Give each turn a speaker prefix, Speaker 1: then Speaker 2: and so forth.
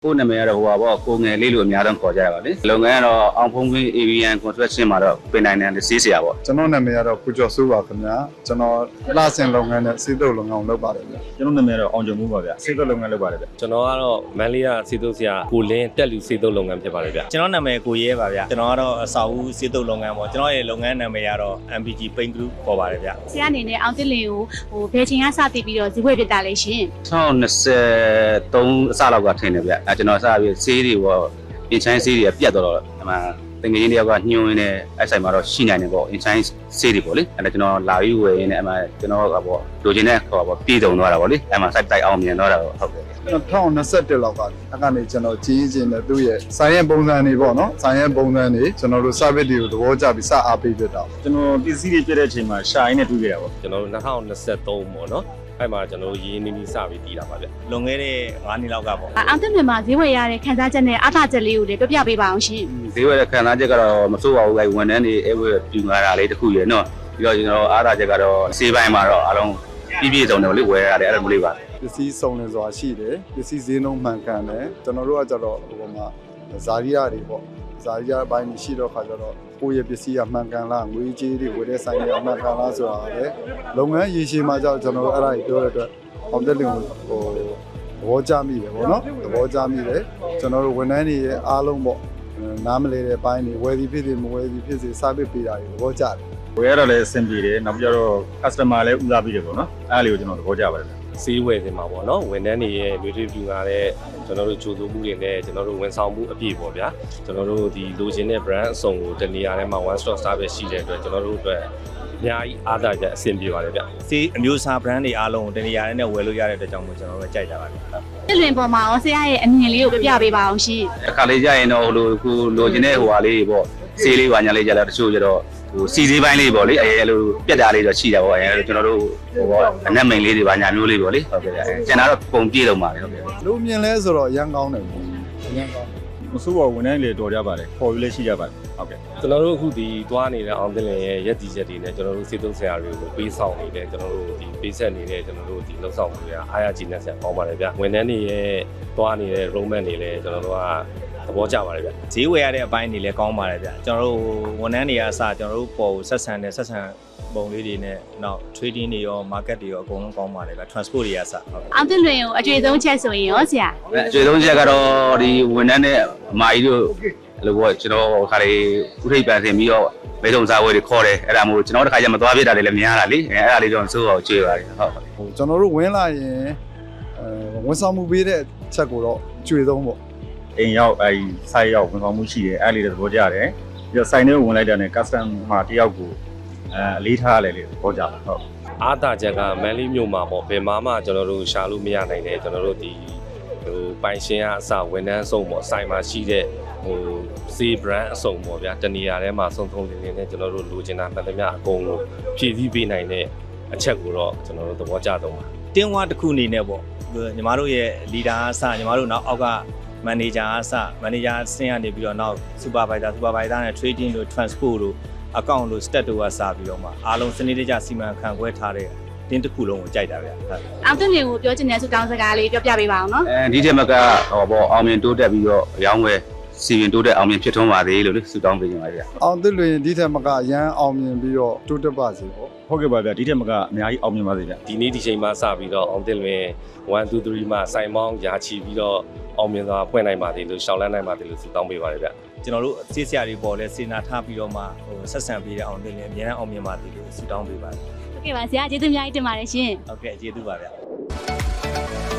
Speaker 1: ကိုနာမည်ကတော့ဟိုပါပေါ့ကိုငယ်လေးလို့အများဆုံးခေါ်ကြရပါလေလုပ်ငန်းကတော့အောင်ဖုံးခွင်း AVN construction မှာတော့ပင်နိုင်တယ်စီးစရာပေါ့
Speaker 2: ကျွန်တော်နာမည်ကတော့ကိုကျော်စိုးပါခင်ဗျာကျွန်တော်လှဆင်လုပ်ငန်းနဲ့စေတုပ်လုပ်ငန်းကိုလုပ်ပါတယ်ဗျာ
Speaker 3: ကျွန်တော်နာမည်ကတော့အောင်ကျော်မှုပါဗျာစေတုပ်လုပ်ငန်းလုပ်ပါတယ်ဗျာ
Speaker 4: ကျွန်တော်ကတော့မန်လေးကစေတုပ်ဆရာကိုလင်းတက်လူစေတုပ်လုပ်ငန်းဖြစ်ပါတယ်ဗျာ
Speaker 5: ကျွန်တော်နာမည်ကိုရဲပါဗျာကျွန်တော်ကတော့အစာဦးစေတုပ်လုပ်ငန်းပေါ့ကျွန်တော်ရဲ့လုပ်ငန်းနာမည်ကတော့ MPG Paint Group ပေါ်ပါတယ်ဗျာ
Speaker 6: ဆရာအနေနဲ့အောင်တစ်လင်ကိုဘယ်ချိန်ကစတည်ပြီးတော့ဈေးဝယ်ဖြစ်တာလဲရှင်
Speaker 1: 2023အစလောက်ကထင်တယ်ဗျကျွန်တော်စပြီးဆေးတွေပေါ့အင်ချိုင်းဆေးတွေပြတ်တော့အမှတငယ်ချင်းတယောက်ကညှိုးရင်းနဲ့အဲ့ဆိုင်မှာတော့ရှိနိုင်တယ်ပေါ့အင်ချိုင်းဆေးတွေပေါ့လေအဲ့ဒါကျွန်တော်လာပြီးဝယ်ရင်းနဲ့အမှကျွန်တော်ကပေါ့လိုချင်တဲ့ဟောပေါ့ပြည်တုံသွားတာပေါ့လေအဲ့မှာစိုက်တိုက်အောင်မြင်တော့တာဟုတ်တယ်
Speaker 2: 2021လောက်ကကနေကျွန်တော်ကြီးချင်းနဲ့သူ့ရဲ့ဆိုင်ရဲ့ပုံစံတွေပေါ့နော်ဆိုင်ရဲ့ပုံစံတွေကျွန်တော်တို့ service တွေကိုသဘောကျပြီးစအားပေးဖြစ်တာ
Speaker 3: ကျွန်တော်ပစ္စည်းတွေပြတဲ့အချိန်မှာရှာရင်းနဲ့တွေ့ကြတာပေါ့
Speaker 4: ကျွန်တော်တို့2023ပေါ့နော်အဲ့မှာကျွန်တော်တို့ရင်းနှီးနှီးစပြီးတည်တာပါဗျ
Speaker 5: လွန်ခဲ့တဲ့9နှစ်လောက်ကပေါ့
Speaker 6: အောင်တစ်မြန်မာဈေးဝယ်ရတဲ့ခန်းစားချက်နဲ့အားသာချက်လေးကိုလည်းပြပြပေးပါအောင်ရှင်
Speaker 1: ဈေးဝယ်တဲ့ခန်းစားချက်ကတော့မစိုးပါဘူးလေဝန်ထမ်းတွေအဲဝယ်ပြူငါတာလေးတစ်ခုရယ်နော်ပြီးတော့ကျွန်တော်အားသာချက်ကတော့စေးပိုင်းမှာတော့အားလုံးပြည့်စုံတယ်လေဝယ်ရတယ်အဲ့လိုလေးပါ
Speaker 2: ပစ္စည်းစုံနေစွာရှိတယ်ပစ္စည်းဈေးနှုန်းမှန်ကန်တယ်ကျွန်တော်တို့ကကြတော့ဟိုမှာဇာတိရတွေပေါ့ဇာတိရဘိုင်းရှိတော့ခါကြတော့ကိုယ့်ရဲ့ပစ္စည်းကမှန်ကန်လားငွေကြေးတွေဝယ်တဲ့ဆိုင်တွေကမှန်ကန်လားဆိုတာလေလုပ်ငန်းရည်ရှိမှကြောင့်ကျွန်တော်တို့အဲ့ဒါကြီးပြောတဲ့အတွက်အောင်တက်လင်ကိုသဘောကျမိတယ်ပေါ့နော်သဘောကျမိတယ်ကျွန်တော်တို့ဝန်ထမ်းတွေရဲ့အားလုံးပေါ့နားမလဲတဲ့ဘိုင်းတွေဝယ်သည်ဖြစ်စေမဝယ်သည်ဖြစ်စေစားပစ်ပေးတာတွေသဘောကျတယ်
Speaker 3: ဝယ်ရတော့လည်းအဆင်ပြေတယ်နောက်ပြီးတော့ customer လည်းဦးစားပေးတယ်ပေါ့နော်အဲ့ဒါလေးကိုကျွန်တော်သဘောကျပါတယ်
Speaker 4: ဆေးဝယ်နေမှာပေါ့နော်ဝန်ထမ်းတွေရဲ့လူတွေပြူလာတဲ့ကျွန်တော်တို့ကြိုးစိုးမှုတွေနဲ့ကျွန်တော်တို့ဝန်ဆောင်မှုအပြည့်ပေါ့ဗျာကျွန်တော်တို့ဒီလိုချင်တဲ့ brand အစုံကိုတနေရာထဲမှာ one stop service ရှိတဲ့အတွက်ကျွန်တော်တို့အတွက်အများကြီးအားသာချက်အဆင်ပြေပါတယ်ဗျ
Speaker 5: ဆေးအမျိုးအစား brand တွေအားလုံးကိုတနေရာထဲနဲ့ဝယ်လို့ရတဲ့အတွက်ကြောင့်မို့ကျွန်တော်တို့ကြိုက်ကြပါပြီ
Speaker 6: တစ်လွင်ပေါ်မှာရောဆရာရဲ့အမြင်လေးကိုပြပြပေးပါအောင်ရှင်
Speaker 1: အခါလေးကြရင်တော့ဟိုလိုချင်တဲ့ဟိုဟာလေးပေါ့ဆေးလေးပါညာလေးကြလာတချို့ကျတော့ဟိုစီစည်းပိုင်းလေးပေါ့လေအဲလိုပြက်တာလေးတော့ရှိတာပေါ့အဲကျွန်တော်တို့ဟိုပေါ့အနက်မိန်လေးတွေပါညာမျိုးလေးပေါ့လေဟုတ်ကဲ့ကျန်တာတော့ပုံပြည့်တော့မှာလေဟုတ်ကဲ့
Speaker 2: လူမြင်လဲဆိုတော့ရန်ကောင်းတယ်ရန်ကောင်း
Speaker 3: မစိုးပါဝန်ထမ်းတွေတော်ကြပါတယ်ခေါ်ယူလည်းရှိကြပါတယ်ဟုတ်ကဲ့
Speaker 4: ကျွန်တော်တို့အခုဒီသွားနေတဲ့အောင်တင်လင်ရဲ့ရက်တီချက်တွေနဲ့ကျွန်တော်တို့စေတုပ်ဆရာတွေကိုပေးဆောင်နေတယ်ကျွန်တော်တို့ဒီပေးဆက်နေတဲ့ကျွန်တော်တို့ဒီလှုပ်ဆောင်မှုတွေအားရကြည်နဲ့ဆက်ပေါင်းပါတယ်ဗျဝန်ထမ်းတွေရဲ့သွားနေတဲ့ roadmap တွေလည်းကျွန်တော်တို့ကသဘောကျပါတယ်ဗျ
Speaker 5: ဈေးဝယ်ရတဲ့အပိုင်းတွေလည်းကောင်းပါတယ်ဗျကျွန်တော်တို့ဝန်ထမ်းတွေကအစကျွန်တော်တို့ပေါ်ဆက်ဆံပုံလေးတွေနဲ့နောက် trading တွေရော market တွေရောအကုန်လုံးကောင်းပါတယ်ဗျ transport တွေကအစဟုတ်
Speaker 6: အောင်တစ်လွင်ကိုအကျွေဆုံးချက်ဆိုရင်ရောဆရာ
Speaker 1: အကျွေဆုံးချက်ကတော့ဒီဝန်ထမ်းနဲ့အမကြီးတို့အဲ့လိုပေါ့ကျွန်တော်ခါလေးဥထိပ်ပန်ဆင်ပြီးတော့မိတ်ဆုံစားဝယ်တွေခေါ်တယ်အဲ့ဒါမို့ကျွန်တော်တစ်ခါကျမသွားပြတာတွေလည်းများတာလေအဲ့ဒါလေးတော့စိုးအောင်ကျွေးပါတယ်
Speaker 2: ဟုတ်ကျွန်တော်တို့ဝင်လာရင်ဝန်ဆောင်မှုပေးတဲ့ချက်ကိုတော့ကျွေဆုံးပေါ့
Speaker 3: အိမ်ရောက်အဲဒီဆိုင်ရောက်ဝန်ဆောင်မှုရှိတယ်အဲ့လေးတွေသဘောကျတယ်ပြီးတော့ဆိုင်ထဲဝင်လိုက်တာနဲ့ customer တယောက်ကိုအလေးထားရတယ်လေသဘောကျတယ်ဟုတ်
Speaker 4: အားသာချက်ကမန်လေးမြို့မှာပေါ့ဘယ်မှကျွန်တော်တို့ရှာလို့မရနိုင်တယ်ကျွန်တော်တို့ဒီဟိုပိုင်ရှင်ကအစဝန်ထမ်းအစုံပေါ့ဆိုင်မှာရှိတဲ့ဟိုစီ brand အစုံပေါ့ဗျာတနေရာထဲမှာစုံစုံလင်းလင်းနဲ့ကျွန်တော်တို့လိုချင်တာမှန်သမျှအကုန်လုံးဖြည့်ဆည်းပေးနိုင်တဲ့အချက်ကိုတော့ကျွန်တော်တို့သဘောကျတော့ပါ
Speaker 5: တင်းဝါတစ်ခုအနေနဲ့ပေါ့ညီမတို့ရဲ့ leader အစညီမတို့နောက်အောက်ကမန်နေဂျာအစမန်နေဂျာဆင်းရနေပြီးတော့နောက်စူပါဗိုင်ဇာနဲ့ trading တို့ transport တို့အကောင့်တို့ stat တို့ကစပြီးတော့မှအားလုံးစနစ်တကျစီမံခန့်ခွဲထားတဲ့တင်းတစ်ခုလုံးကိုကြိုက်တာဗျာ
Speaker 6: ဟုတ်အောင်တင်လေးကိုပြောချင်တဲ့ဆုတောင်းစကားလေးပြောပြပေးပါအောင်နော်
Speaker 1: ဒီထက်မကဟောပေါ့အောင်မြင်တိုးတက်ပြီးတော့ရောင်းဝယ်စီရင်တိုးတက်အောင်မြင်ဖြစ်ထွန်းပါသေးလို့ဆုတောင်းပေးနေပါဗျာ
Speaker 2: အောင်တင်လွင်ဒီထက်မကရန်အောင်မြင်ပြီးတော့တိုးတက်ပါစေပေါ့
Speaker 3: ဟုတ်ကဲ့ပါဗျာဒီထက်မကအများကြီးအောင်မြင်ပါစေဗျာ
Speaker 4: ဒီနေ့ဒီချိန်မှစပြီးတော့အောင်တင်လွင်1 2 3မှစိုင်မောင်းရာချီပြီးတော့အောင်မြင်စွာဖွင့်နိုင်ပါသေးလို့ရှောင်းလန်းနိုင်ပါသေးလို့ဆုတောင်းပေးပါတယ်ဗျ
Speaker 5: ကျွန်တော်တို့စေးဆရာတွေပေါ်လဲစေနာထားပြီးတော့မှဟိုဆက်ဆံပေးတဲ့အောင်တင်လွင်အများအားအောင်မြင်ပါသေးလို့ဆုတောင်းပေးပါတယ်
Speaker 6: ဟုတ်ကဲ့ပါဆရာကျေးဇူးအများကြီးတင်ပါတယ်ရှင်
Speaker 5: ဟုတ်ကဲ့ကျေးဇူးပါဗျာ